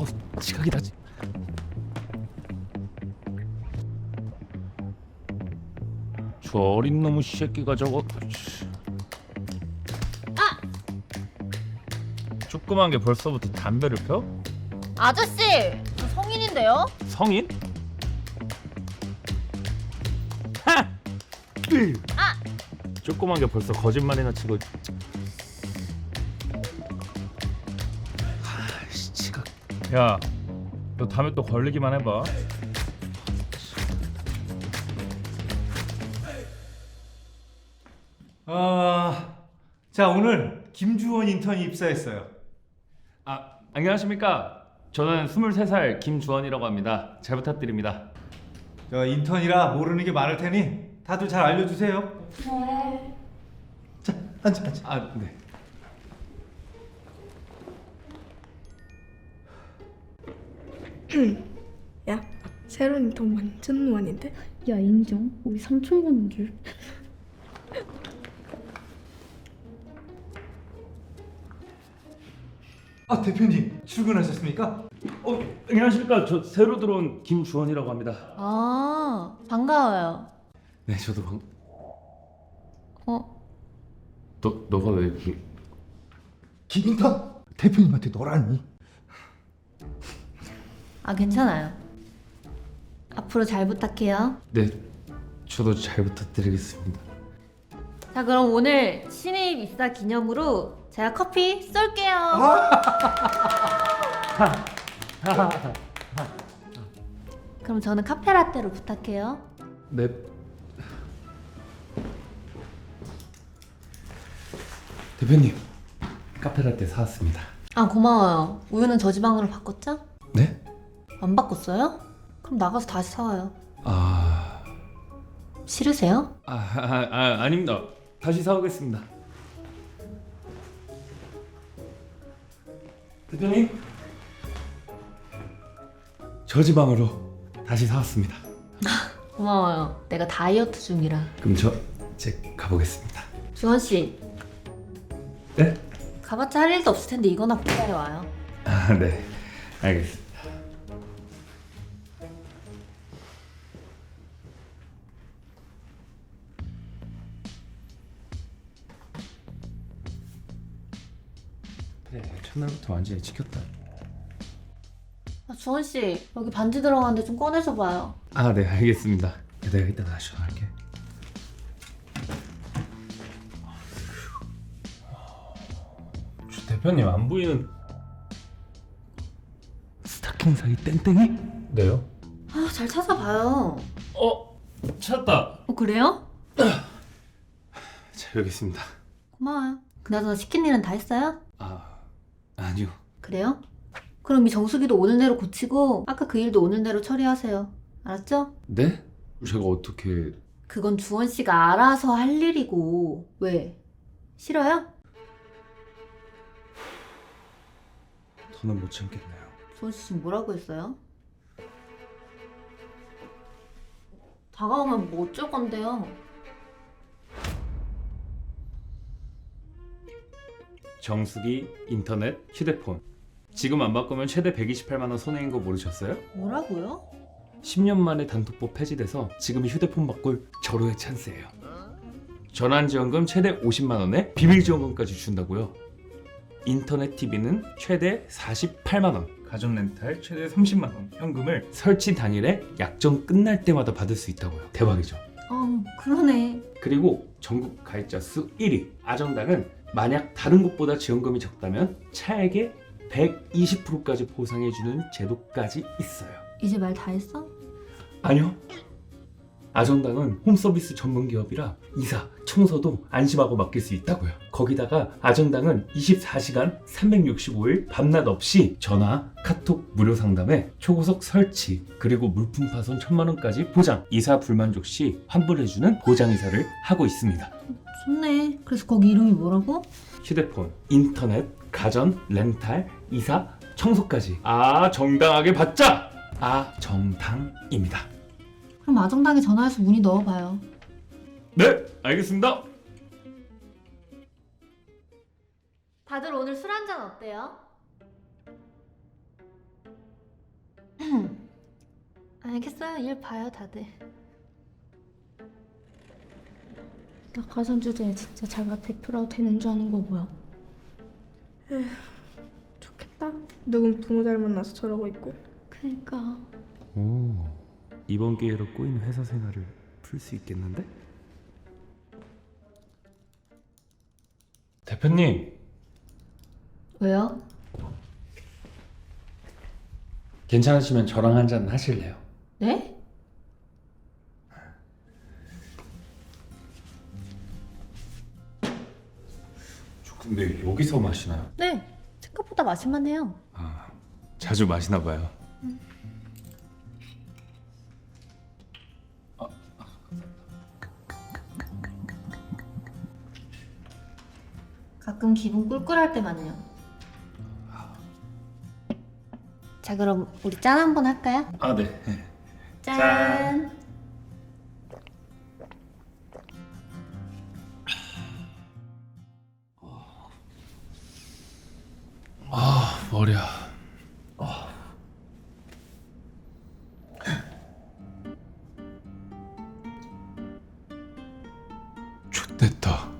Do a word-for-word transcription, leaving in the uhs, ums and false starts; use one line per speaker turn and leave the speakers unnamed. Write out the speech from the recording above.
어, 지각이다. 저 어린 놈의 새끼가 저거.
아!
조그만 게 벌써부터 담배를 펴?
아저씨! 저 성인인데요?
성인? 하! 으!
아!
조그만 게 벌써 거짓말이나 치고. 아이씨, 지각. 야, 너 다음에 또 걸리기만 해봐.
아, 자 오늘 김주원 인턴이 입사했어요.
아, 안녕하십니까? 저는 스물세 살 김주원이라고 합니다. 잘 부탁드립니다.
저 인턴이라 모르는 게 많을 테니 다들 잘 알려주세요.
네.
자, 앉아, 앉아.
아, 네.
야, 새로운 인턴 완전 노안인데?
야 인정. 우리 삼촌 보는 줄.
아 대표님 출근하셨습니까?
어, 안녕하십니까? 저 새로 들어온 김주원이라고 합니다.
아, 반가워요.
네, 저도 방.
어?
너 너가 왜? 그...
김 인턴 대표님한테 너라니?
아, 괜찮아요. 앞으로 잘 부탁해요.
네, 저도 잘 부탁드리겠습니다.
자, 그럼 오늘 신입 입사 기념으로 제가 커피 쏠게요. 그럼 저는 카페라떼로 부탁해요.
네. 대표님, 카페라떼 사왔습니다.
아, 고마워요. 우유는 저지방으로 바꿨죠?
네?
안 바꿨어요? 그럼 나가서 다시 사와요.
아,
싫으세요?
아, 아, 아 아닙니다. 다시 사오겠습니다. 대표님, 저지방으로 다시 사왔습니다.
고마워요. 내가 다이어트 중이라.
그럼 저 이제 가보겠습니다.
주원 씨,
네?
가봤자 할 일도 없을 텐데 이거나 부탁해 와요.
아, 네, 알겠습니다. 그래, 첫날부터 완전히 지켰다.
아, 주원 씨, 여기 반지 들어가는데 좀 꺼내줘 봐요.
아, 네, 알겠습니다. 내가 이따가 다시 전화할게. 주 대표님 안 보이는 스타킹 사이 땡땡이? 네요.
아, 잘 찾아봐요.
어, 찾았다.
어, 그래요?
자, 여기 있습니다.
고마워요. 그나저나 시킨 일은 다 했어요?
아, 아니요.
그래요? 그럼 이 정수기도 오늘 내로 고치고 아까 그 일도 오늘 내로 처리하세요. 알았죠?
네? 제가 어떻게?
그건 주원 씨가 알아서 할 일이고. 왜? 싫어요?
더는 못 참겠네요.
주원 씨 지금 뭐라고 했어요? 다가오면 뭐 어쩔 건데요?
정수기, 인터넷, 휴대폰. 지금 안 바꾸면 최대 백이십팔만 원 손해인 거 모르셨어요?
뭐라고요?
십 년 만에 단톡법 폐지돼서 지금이 휴대폰 바꿀 절호의 찬스예요. 전환지원금 최대 오십만 원에 비밀지원금까지 준다고요. 인터넷 티비는 최대 사십팔만 원, 가전 렌탈 최대 삼십만 원, 현금을 설치 당일에 약정 끝날 때마다 받을 수 있다고요. 대박이죠.
어, 그러네.
그리고 전국 가입자 수 일 위 아정당은 만약 다른 곳보다 지원금이 적다면 차액의 백이십 퍼센트까지 보상해주는 제도까지 있어요.
이제 말 다 했어?
아니요. 아정당은 홈서비스 전문 기업이라 이사, 청소도 안심하고 맡길 수 있다고요. 거기다가 아정당은 이십사 시간 삼백육십오 일 밤낮 없이 전화, 카톡 무료 상담에 초고속 설치, 그리고 물품 파손 천만 원까지 보장, 이사 불만족 시 환불해주는 보장 이사를 하고 있습니다.
좋네. 그래서 거기 이름이 뭐라고?
휴대폰, 인터넷, 가전, 렌탈, 이사, 청소까지 아정당하게 받자! 아정당입니다.
그럼 아정당에 전화해서 문의 넣어봐요.
네, 알겠습니다.
다들 오늘 술 한잔 어때요? 알겠어요. 일 봐요, 다들.
나 가상 주제에 진짜 자기가 대표라도 되는 줄 아는 거 뭐야?
좋겠다. 누군 부모 잘 만나서 저러고 있고.
그니까
오, 이번 기회로 꼬인 회사 생활을 풀 수 있겠는데? 대표님,
왜요?
괜찮으시면 저랑 한잔 하실래요?
네?
저 근데 여기서 마시나요?
네. 생각보다 마실만해요.
아, 자주 마시나 봐요.
가끔 기분 꿀꿀할 때만요. 자, 그럼 우리 짠 한번 할까요?
아, 네.
짠.
아, 머리야. 좋됐다.